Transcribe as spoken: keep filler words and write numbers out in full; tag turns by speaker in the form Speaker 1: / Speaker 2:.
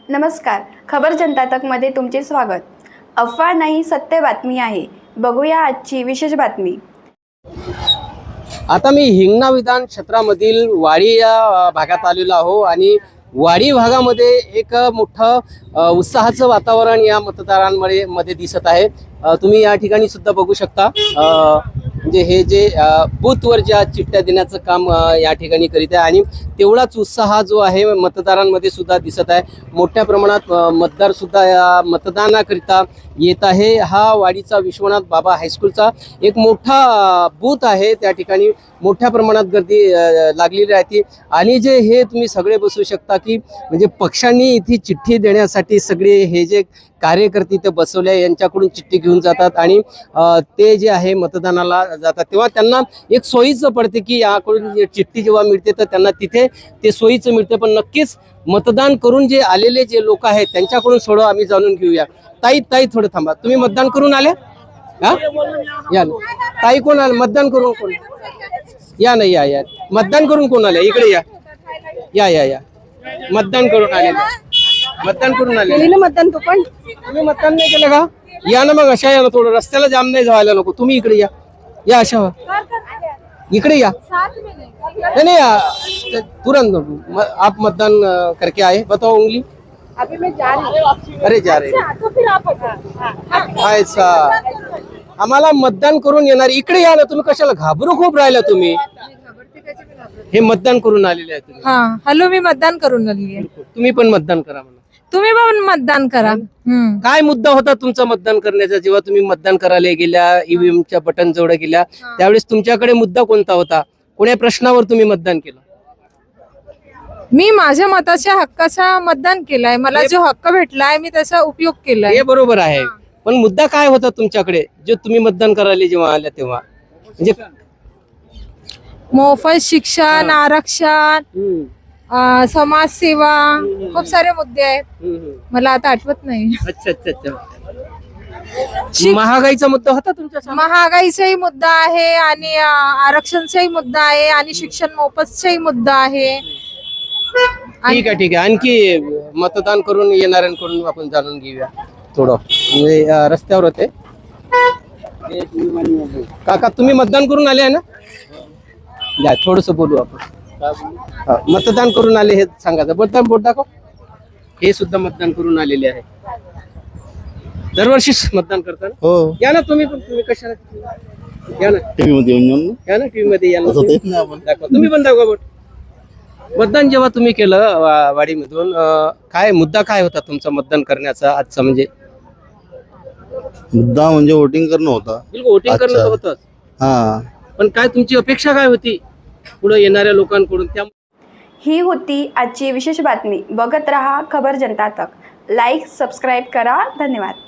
Speaker 1: नमस्कार, खबर जनता तकमध्ये तुमचे स्वागत। अफवा नाही, सत्य बातमी आहे। बघूया आजची विशेष बातमी।
Speaker 2: आता मी हिंगणा विधान क्षेत्रामधील वाडी या भागात आलेलो आहो आणि वाडी भागामध्ये एक मोठं उत्साहाचं वातावरण या मतदारांमध्ये मध्ये दिसत आहे। तुम्ही या ठिकाणी सुद्धा बघू शकता, म्हणजे हे जे बूथवर ज्या चिठ्ठ्या देण्याचं काम या ठिकाणी करीत आहे आणि तेवढाच उत्साह जो आहे मतदारांमध्ये सुद्धा दिसत आहे। मोठ्या प्रमाणात मतदार सुद्धा या मतदानाकरिता येत आहे। हा वाडीचा विश्वनाथ बाबा हायस्कूलचा एक मोठा बूथ आहे, त्या ठिकाणी मोठ्या प्रमाणात गर्दी लागलेली आहे आणि जे हे तुम्ही सगळे बसू शकता की म्हणजे पक्षांनी इथे चिठ्ठी देण्यासाठी सगळे हे जे कार्यकर्ते इथे बसवले यांच्याकडून चिठ्ठी घेऊन जातात आणि ते जे आहे मतदानाला जातात, तेव्हा त्यांना एक सोयीचं पडते की याकडून चिठ्ठी जेव्हा मिळते तर त्यांना तिथे ते सोयीचं मिळते। पण नक्कीच मतदान करून जे आलेले जे लोक आहेत त्यांच्याकडून थोडं आम्ही जाणून घेऊया। ताई ताई थोडं थांबा, तुम्ही मतदान करून आले? हा या ताई, कोण आले मतदान करून? कोण या नाही या या मतदान करून कोण आले? इकडे या या या या मतदान करून आले, मतदान करून आले ना मतदान? तू पण तुम्ही मतदान नाही केलं का? या ना मग, अशा या ना, थोडं रस्त्याला जाम नाही जायला नको। तुम्ही इकडे या या अशा इकडे या नहीं नहीं आ, तुरंत आप मतदान करके आए, बताओ उंगली।
Speaker 3: अभी मैं जा रही हूँ।
Speaker 2: अरे जा रहे
Speaker 3: अच्छा, तो फिर आप
Speaker 2: ऐसा आम्हाला मतदान करून येणार। इकडे या ना, तुम्ही कशाला घाबरू खूप राहिला? तुम्ही हे मतदान करून आलेले आहे तुम्ही।
Speaker 3: हाँ, हॅलो, मी मतदान करून आली आहे।
Speaker 2: तुम्ही पण मतदान करा म्हणा।
Speaker 3: तुम्ही पण मतदान करा। हम्म
Speaker 2: काय मुद्दा होता तुमचा मतदान करण्याचा? जेव्हा तुम्ही मतदान करायला गेल्या, ईव्हीएमच्या बटन जवळ गेल्या, त्यावेळेस तुमच्याकडे मुद्दा कोणता होता? कोण्या प्रश्नावर तुम्ही मतदान केलं?
Speaker 3: मी माझ्या मताच्या हक्काचा मतदान केलाय। मला जो हक्क भेटलाय मी त्याचा उपयोग केलाय।
Speaker 2: हे बरोबर आहे, पण मुद्दा काय होता तुमच्याकडे जे तुम्ही मतदान करायला जेव्हा आल्या तेव्हा? म्हणजे
Speaker 3: मोफत शिक्षण, आरक्षण, समाजसेवा, खूप सारे मुद्दे आहेत, मला आता आठवत नाही।
Speaker 2: अच्छा अच्छा अच्छा महागाईचा मुद्दा होता तुमच्या?
Speaker 3: महागाईचाही मुद्दा आहे आणि आरक्षणचाही मुद्दा आहे आणि शिक्षण मोफतचाही मुद्दा आहे।
Speaker 2: ठीक आहे ठीक आहे, आणखी मतदान करून येणाऱ्यांकडून आपण जाणून घेऊया थोडं। म्हणजे रस्त्यावर होते काका, तुम्ही मतदान करून आले आहे ना? या थोडस बोलू आपण। मतदान करून आले हे सांगायचं, बोलता बोट दाखव। हे सुद्धा मतदान करून आलेले आहे, दरवर्षीच मतदान करतात।
Speaker 4: हो,
Speaker 2: या ना तुम्ही पण। तुम्ही कशाला या ना
Speaker 4: टीव्ही मध्ये येऊन
Speaker 2: या ना टीव्ही मध्ये या ना,
Speaker 4: आपण
Speaker 2: दाखवा तुम्ही पण, दाखवा बोट। मतदान जेव्हा तुम्ही केलं वाडीमधून, काय मुद्दा काय होता तुमचा मतदान करण्याचा आजचा? म्हणजे
Speaker 4: मुद्दा म्हणजे वोटिंग करणं होता।
Speaker 2: बिलकुल वोटिंग करणं होतं,
Speaker 4: हा,
Speaker 2: पण काय तुमची अपेक्षा काय होती पुढे येणाऱ्या लोकांकडून? त्या
Speaker 1: ही होती आजची विशेष बातमी। बघत रहा खबर जनता तक। लाईक, सबस्क्राईब करा। धन्यवाद।